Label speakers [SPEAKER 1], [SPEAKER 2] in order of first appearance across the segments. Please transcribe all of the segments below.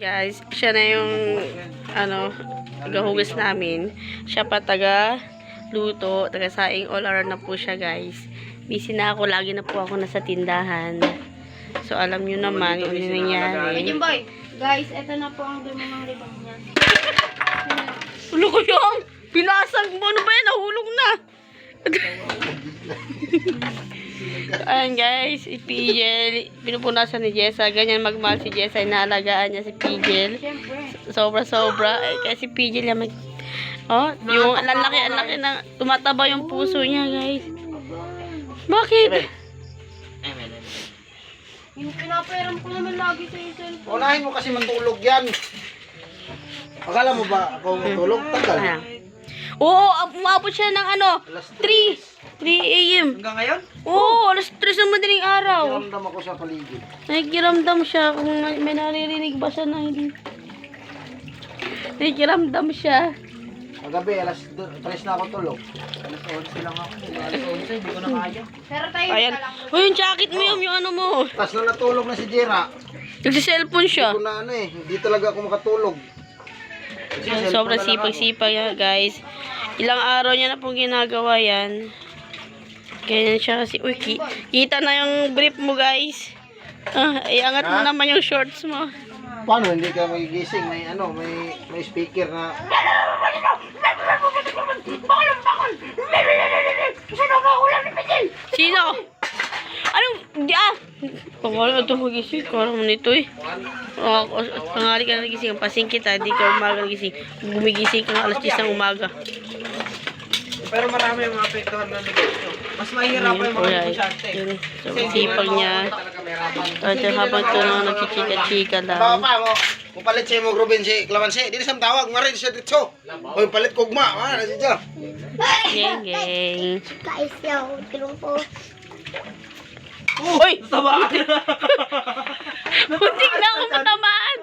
[SPEAKER 1] Guys, siya na yung tagahugas namin. Siya pa luto, taga-saing, all around na po siya, guys. Busy na ako, lagi na po ako nasa tindahan. So, alam nyo naman kung ano nangyari.
[SPEAKER 2] Medyo boy, guys, eto na po ang dumi ng libang niya.
[SPEAKER 1] Ulo ko yung pinasag mo. Ano ba yan? Nahulog na. Ayan guys, si Pigel, pinupunasan ni Jessa. Ganyan magmahal si Jessa, inaalagaan niya si Pigel. Sobra-sobra. Kaya si Pigel yung yung lalaki na tumataba yung puso niya, guys. Bakit?
[SPEAKER 2] Yung pinapairam ko naman lagi sa cellphone.
[SPEAKER 3] Unahin mo kasi matulog yan. Akala mo ba ako matulog? Tagal.
[SPEAKER 1] Oo, umabot siya ng 3 a.m.
[SPEAKER 3] Hanggang ngayon?
[SPEAKER 1] Oo, alas 3 ng madaling araw.
[SPEAKER 3] Nakiramdam ako sa paligid.
[SPEAKER 1] Nakikiramdam siya kung may naririnig ba siya na hindi. Nakikiramdam siya.
[SPEAKER 3] Kagabi, alas 3 na ako tulog. Alas 11 lang ako. Alas 11, hindi ko na kaya.
[SPEAKER 2] Pero tayo
[SPEAKER 1] Ayan. Uy, yung jacket mo yung ano mo.
[SPEAKER 3] Tapos nung natulog na si Jera,
[SPEAKER 1] Nagsi-cellphone siya.
[SPEAKER 3] hindi ko na hindi talaga ako makatulog. Kasi cellphone
[SPEAKER 1] Sobrang
[SPEAKER 3] na lang ako.
[SPEAKER 1] sipag-sipag yan, guys. Ilang araw niya na pong ginagawa yan. Ganyan siya kasi. Uy, kita na yung brief mo, guys. Iangat mo naman yung shorts mo.
[SPEAKER 3] Paano hindi ka magigising? May may speaker na.
[SPEAKER 1] Sino? Anong, Pagkala ito magising. Karang nito eh. Pangali ka na nagising. Pasing kita. Di ka umaga nagising. Gumigising ka ng alas 10 ng umaga.
[SPEAKER 3] Pero marami yung apektuhan ng negosyo. Mas mahirap pa yung mga negosyante.
[SPEAKER 1] So, sipag niya. At habang ito na nagchichika-chika lang.
[SPEAKER 3] Pa mo, kung palit siya mo Ruben si Clavanse, di na siyang tawag, marin siya dito. O yung palit kugma, na siya.
[SPEAKER 1] Geng, geng.
[SPEAKER 2] guys, yaw, tulong po.
[SPEAKER 1] Uy! Tamaan! Muntik na ako matamaan!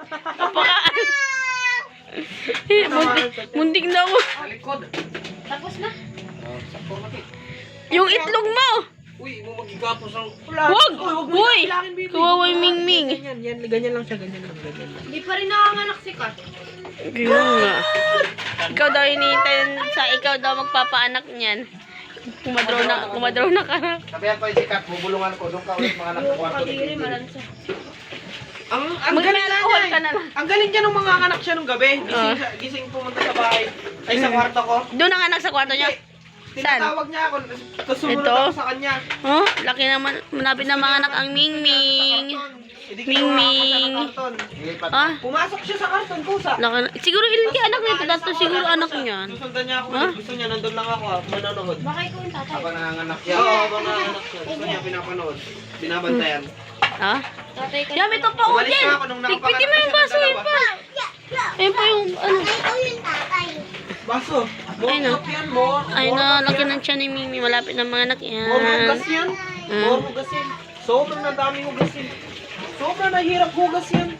[SPEAKER 1] Muntik na ako.
[SPEAKER 2] Tapos na?
[SPEAKER 1] Yung itlog mo!
[SPEAKER 3] Uy, mo magigapos ang...
[SPEAKER 1] Wag! Uy! Kawawa yung Mingming.
[SPEAKER 3] Ganyan lang siya, ganyan lang.
[SPEAKER 2] Hindi pa rin nakanganak si Kat.
[SPEAKER 1] Ganyan nga. Ikaw daw ikaw daw magpapaanak niyan. Kumadraw na ka.
[SPEAKER 3] Sabihan ko yung sikat, bubulungan ko, doon ka ulit mga anak ko kwarto.
[SPEAKER 2] Kadiri, malansa.
[SPEAKER 3] Ang galing na
[SPEAKER 1] Mag-alcohol
[SPEAKER 3] niya
[SPEAKER 1] ka na lang.
[SPEAKER 3] Ang galing niya nung mga anak siya nung gabi. Gising pumunta sa bahay. Ay, sa kwarto ko.
[SPEAKER 1] Doon ang anak sa kwarto niya. Saan?
[SPEAKER 3] Tinatawag niya ako. Tapos sumunod
[SPEAKER 1] Ito?
[SPEAKER 3] ako sa kanya.
[SPEAKER 1] Oh, laki naman. Malapit na mga anak ang Mingming. Mingming. Ah,
[SPEAKER 3] Pumasok siya sa karton, kusa.
[SPEAKER 1] laki na. Siguro ilan kaya anak nito? Dato siguro anak niya.
[SPEAKER 3] Susundan niya ako.
[SPEAKER 1] Ha?
[SPEAKER 3] Gusto niya, nandun lang ako. Manonood.
[SPEAKER 2] Baka ikaw yung tatay.
[SPEAKER 3] Habang nanganganak siya. Oo, habang nanganganak siya. Gusto niya pinapanood. Binabantayan.
[SPEAKER 1] Ha?
[SPEAKER 2] Tatay ka.
[SPEAKER 1] Yam, ito pa
[SPEAKER 3] Umalis
[SPEAKER 1] Jen.
[SPEAKER 3] na ako nung
[SPEAKER 1] Tigpitin mo yung baso yun pa. Ayun pa yung
[SPEAKER 2] Ikaw yung tatay.
[SPEAKER 3] Baso.
[SPEAKER 1] Ay, no.
[SPEAKER 3] More yan, more.
[SPEAKER 1] Ay na, laki ng tiyan ni Mimi. Malapit na mga anak yan.
[SPEAKER 3] More hugas yan. More hugas yan. Sobrang na daming hugas yan. Sobrang nahirap hugas yan.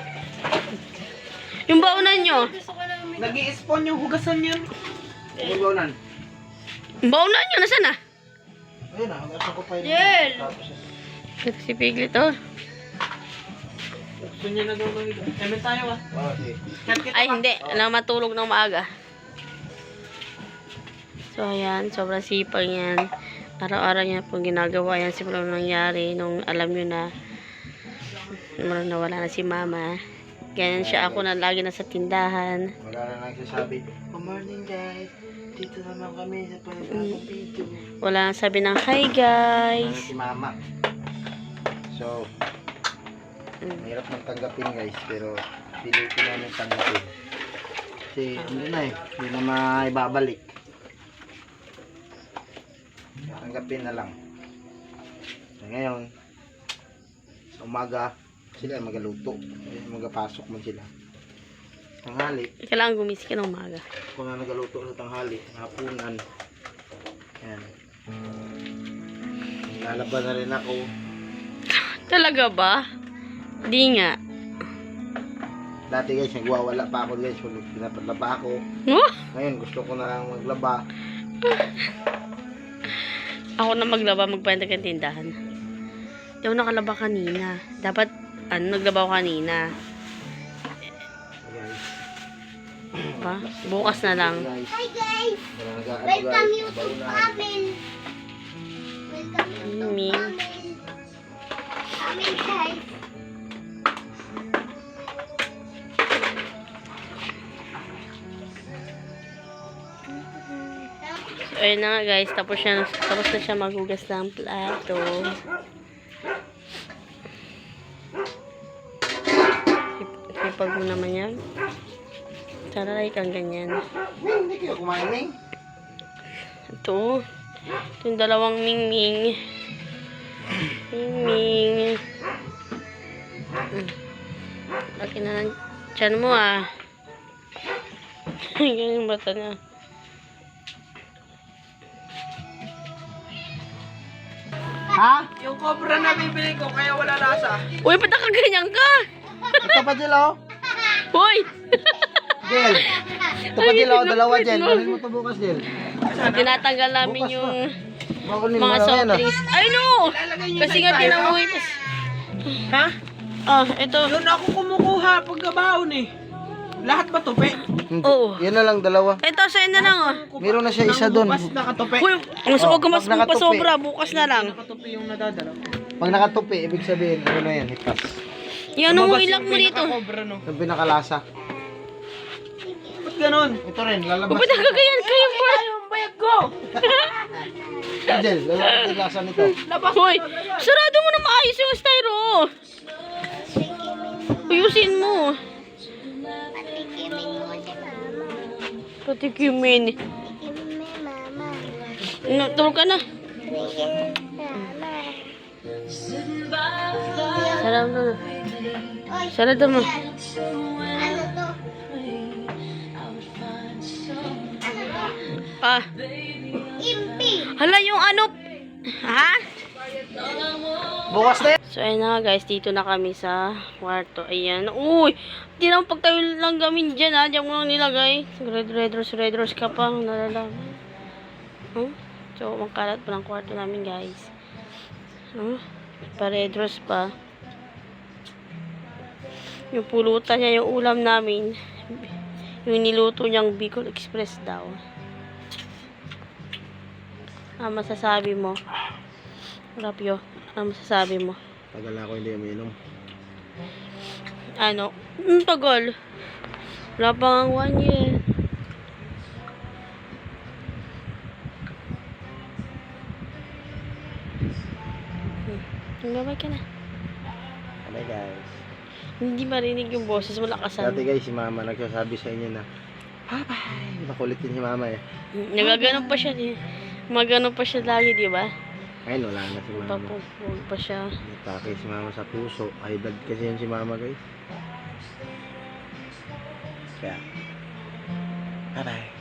[SPEAKER 1] Yung baunan nyo.
[SPEAKER 2] Gusto ko lang
[SPEAKER 3] Nag-i-spawn yung hugasan yan. Baunan.
[SPEAKER 1] Yung baunan nyo, nasaan na?
[SPEAKER 3] Ayun na, hugasan ko pa yun.
[SPEAKER 2] Jel!
[SPEAKER 1] Ito si Piglet, oh.
[SPEAKER 3] Gusto niya na daw mahiga. Emen tayo ah. Okay.
[SPEAKER 1] Ay, hindi. Alam, matulog ng maaga. So, ayan. Sobrang sipag yan. Araw-araw niya pong ginagawa yan. Simula nangyari nung alam nyo na nawala na si mama. Ganyan siya. Ako na lagi nasa tindahan.
[SPEAKER 3] Wala na nagsasabi, good morning guys. Dito naman kami sa panibagong video.
[SPEAKER 1] Wala nang sabi ng hi guys.
[SPEAKER 3] Si mama. So, mahirap nang tanggapin guys. Pero, pilitin namin tanggapin. Kasi, hindi na eh. Hindi na maibabalik. Tanggapin na lang. So, ngayon, sa umaga, sila magaluto. Magapasok man sila. Tanghali,
[SPEAKER 1] Kailangan gumising ka ng umaga.
[SPEAKER 3] kung na nagaluto sa tanghali, hapunan. Yan. Lalaban na rin ako.
[SPEAKER 1] Talaga ba? Di nga.
[SPEAKER 3] Dati guys, nagwawala pa ako guys. Pinapadlaba ako.
[SPEAKER 1] Oh!
[SPEAKER 3] Ngayon, gusto ko na lang maglaba.
[SPEAKER 1] Ako na maglaba, magbayad ng tindahan. Hindi ako nakalaba kanina. Dapat, naglaba ako kanina. Diba? Bukas na lang.
[SPEAKER 3] Guys,
[SPEAKER 2] Hi guys!
[SPEAKER 3] nag-ano
[SPEAKER 2] Welcome
[SPEAKER 3] guys,
[SPEAKER 2] you to
[SPEAKER 3] baunan.
[SPEAKER 2] Amin! Welcome you to
[SPEAKER 1] Mimi.
[SPEAKER 2] Amin! Amin guys!
[SPEAKER 1] So, ayun na nga guys, tapos na siya maghugas ng plato. Sipag mo naman yan. Sana like ang ganyan.
[SPEAKER 3] Hindi kayo kumain, Ming.
[SPEAKER 1] Ito yung dalawang mingming. Mingming. Laki na ng tiyan mo ah. Ganyan yung bata niya.
[SPEAKER 3] Ha?
[SPEAKER 4] Yung cobra na bibili ko, kaya wala lasa.
[SPEAKER 1] Uy, ba't nakaganyan ka?
[SPEAKER 3] Ito pa, Jill, oh.
[SPEAKER 1] Uy!
[SPEAKER 3] Jill. Ito pa, Jill, oh. Dalawa, Jill. Kunin mo ito bukas, Jill.
[SPEAKER 1] Tinatanggal namin
[SPEAKER 3] Bukas
[SPEAKER 1] yung
[SPEAKER 3] Bakunin mo
[SPEAKER 1] mga
[SPEAKER 3] na
[SPEAKER 1] soft
[SPEAKER 3] yan, ah.
[SPEAKER 1] drinks. Ay no! Kasi nga tinamuhi pa.
[SPEAKER 4] Ha?
[SPEAKER 1] Ah, ito.
[SPEAKER 4] Yun ako kumukuha pagkabaon eh. Lahat ba tupi?
[SPEAKER 3] Hindi.
[SPEAKER 1] Oo.
[SPEAKER 3] Yan na lang, dalawa.
[SPEAKER 1] Ito, sa'yo na lang oh.
[SPEAKER 3] Meron na siya isa doon.
[SPEAKER 4] Bukas nakatupi.
[SPEAKER 1] Uy, ang suwag ka mas
[SPEAKER 3] pag nakatupi.
[SPEAKER 1] sobra. Bukas na lang.
[SPEAKER 4] Nakatupi yung nadadala.
[SPEAKER 3] Pag nakatupi, ibig sabihin, ano na yan, hipas.
[SPEAKER 1] Yan ang ilak mo dito.
[SPEAKER 4] Cobra no.
[SPEAKER 3] Yung pinakalasa.
[SPEAKER 4] Ba't ganun?
[SPEAKER 3] Ito rin, lalabas.
[SPEAKER 1] Ba't nakaganyan kayo pa?
[SPEAKER 4] Yung bayag ko!
[SPEAKER 3] Jill, lalabas yung lasa nito.
[SPEAKER 1] Uy, sarado mo na maayos yung styro. Ayusin mo.
[SPEAKER 2] Patikimin mo si Mama.
[SPEAKER 1] Patikimin.
[SPEAKER 2] Patikimin mo Mama.
[SPEAKER 1] No, tulog ka na.
[SPEAKER 2] Patikimin Mama.
[SPEAKER 1] Sarado mo.
[SPEAKER 2] Oy,
[SPEAKER 1] Sarado mo.
[SPEAKER 2] ano to? Ano to?
[SPEAKER 1] Ah,
[SPEAKER 2] Impi!
[SPEAKER 1] hala yung ano. Ha?
[SPEAKER 3] Bukas na yan.
[SPEAKER 1] So, ayun na nga guys, dito na kami sa kwarto. Ayan. Uy! Di naman pagtayo lang gamin dyan ha. Diyan mo lang nilagay. Red rose ka pang nalalaman. So, ang kalat pa ng kwarto namin guys. Pa-red rose pa. Yung pulutan niya, yung ulam namin. Yung niluto niyang Bicol Express daw. Ano masasabi mo? Rapyo, ano masasabi mo?
[SPEAKER 3] Tagal na ako hindi uminom.
[SPEAKER 1] Ano? Tagal. Wala pa nga 1 year. Babay ka na.
[SPEAKER 3] Bye guys.
[SPEAKER 1] Hindi marinig yung boses mo, lakasan.
[SPEAKER 3] Dati guys, si Mama nagsasabi sa inyo na bye-bye. Makulit din si Mama eh.
[SPEAKER 1] Nagagano pa siya. Magano pa siya lagi, di ba?
[SPEAKER 3] Ayun, wala na si Mama.
[SPEAKER 1] Papupog pa siya.
[SPEAKER 3] Natake si Mama sa puso. High blood kasi yun si Mama guys. Kaya, bye-bye.